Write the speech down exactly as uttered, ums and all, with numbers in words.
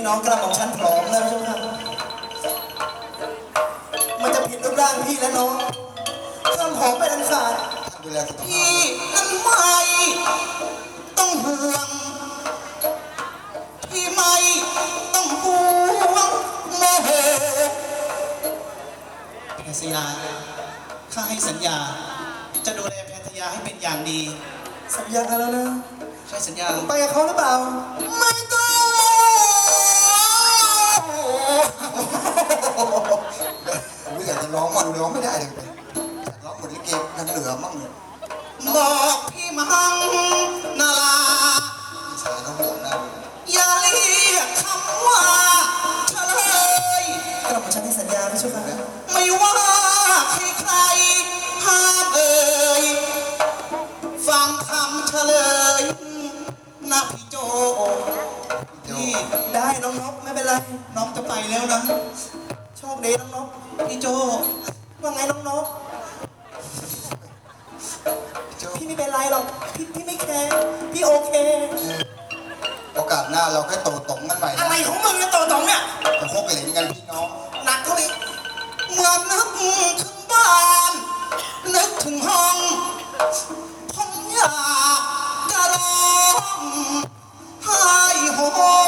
น้องกระหม่อมชั้นพร้อมแล้วใช่ไหมมันจะผิดรูปร่างพี่และน้องห้ามหอมไปทันขาดพี่นั้นไม่ต้องห่วงพี่ไม่ต้องห่วงโมโหแพทยาข้าให้สัญญาจะดูแลแพทยาให้เป็นอย่างดีสัญญากันแล้วนะใช่สัญญาไปกับเขาหรือเปล่าไม่ต้องไม่อยากจะร้องมันร้องไม่ได้เลยร้องเหมือนลิเกน้ำเหลือมั่งบอกพี่มังนาลาสายเขาห่วงนะอย่าเรียกคำว่าเฉลยกระหม่อมฉันให้สัญญาไม่ใช่ไหมไม่ว่าใครใครห้ามเอ่ยฟังคำเฉลยนะพี่โจนี่ได้น้องนกไม่เป็นไรน้องจะไปแล้วนะโชคดีน้องนกพี่โจว่าไงน้องนกพี่ไม่เป็นไรหรอกพี่พี่ไม่แคร์พี่โอเคโอกาสหน้าเราแค่โตตงกันใหม่อะไรของมึงเนี่ยโตตงเนี่ยจะพกเหรียญกันพี่น้องหนักเท่านี้เมื่อนึกถึงบ้านนึกถึงห้องผมอยากจะร้องไห้โฮ